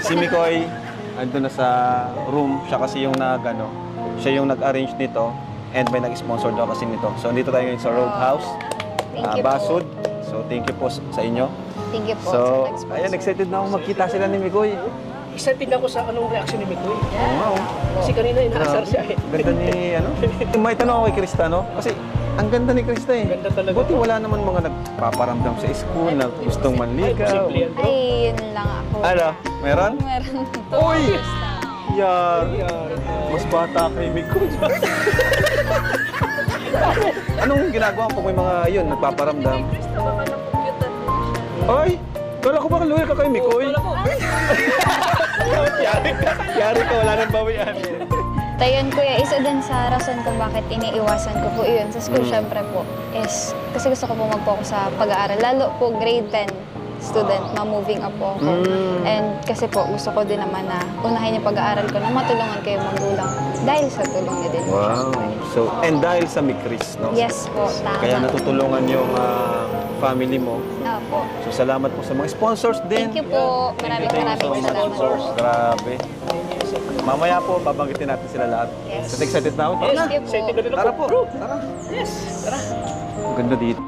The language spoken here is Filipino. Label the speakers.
Speaker 1: Si Mikoy, andun na sa room. Siya kasi yung siya yung nag-arrange nito. And may nag-sponsor daw kasi nito. So, andito tayo ngayon sa Roadhouse.
Speaker 2: Thank you
Speaker 1: Basud.
Speaker 2: po.
Speaker 1: So, thank you po sa inyo.
Speaker 2: Thank you po
Speaker 1: So,
Speaker 2: sa nag-sponsor.
Speaker 1: ayan, excited na ako magkita sila ni Mikoy.
Speaker 3: Excited ako sa anong reaction ni Mikoy.
Speaker 1: Oo nga, oh.
Speaker 3: Kasi kanina inaasar siya eh.
Speaker 1: Ganda ni, May tanong ako kay Krista, no? Kasi, ang ganda ni Krista eh.
Speaker 3: Ganda talaga.
Speaker 1: Buti wala naman mga nagpaparamdam sa school na gustong manligaw.
Speaker 3: Posible yan, bro.
Speaker 2: Ay, yun lang ako.
Speaker 1: Ano? Meron?
Speaker 2: Meron to.
Speaker 1: Uy! Yar! Mas bata kay Mikoy. Anong ginagawa mo pag may mga yun, nagpaparamdam? Ay! Kala ko baka loyal ka kay Mikoy. Yari ka, wala nang bawian.
Speaker 2: Tayon kuya, isa din sa rason kung bakit iniiwasan ko po yun sa school, syempre po, is kasi gusto ko po mag-focus sa pag-aaral. Lalo po grade 10 student, ma-moving up po ako. And kasi po, gusto ko din naman na unahin yung pag-aaral ko na matulungan kayo magulang dahil sa tulong niyo din.
Speaker 1: Wow. So, and dahil sa Mikris, no?
Speaker 2: Yes po, tama.
Speaker 1: Kaya natutulungan yung family mo.
Speaker 2: Opo.
Speaker 1: So, salamat po sa mga sponsors din.
Speaker 2: Thank you po. Maraming salamat po.
Speaker 1: Grabe. Mamaya po, babanggitin natin sila lahat.
Speaker 2: Yes.
Speaker 1: Kasi excited na ako. Tara na.
Speaker 2: Thank you po.
Speaker 3: Excited na rin ako.
Speaker 1: Tara po.
Speaker 3: Bro.
Speaker 1: Tara.
Speaker 3: Yes, tara.
Speaker 1: Ang ganda dito.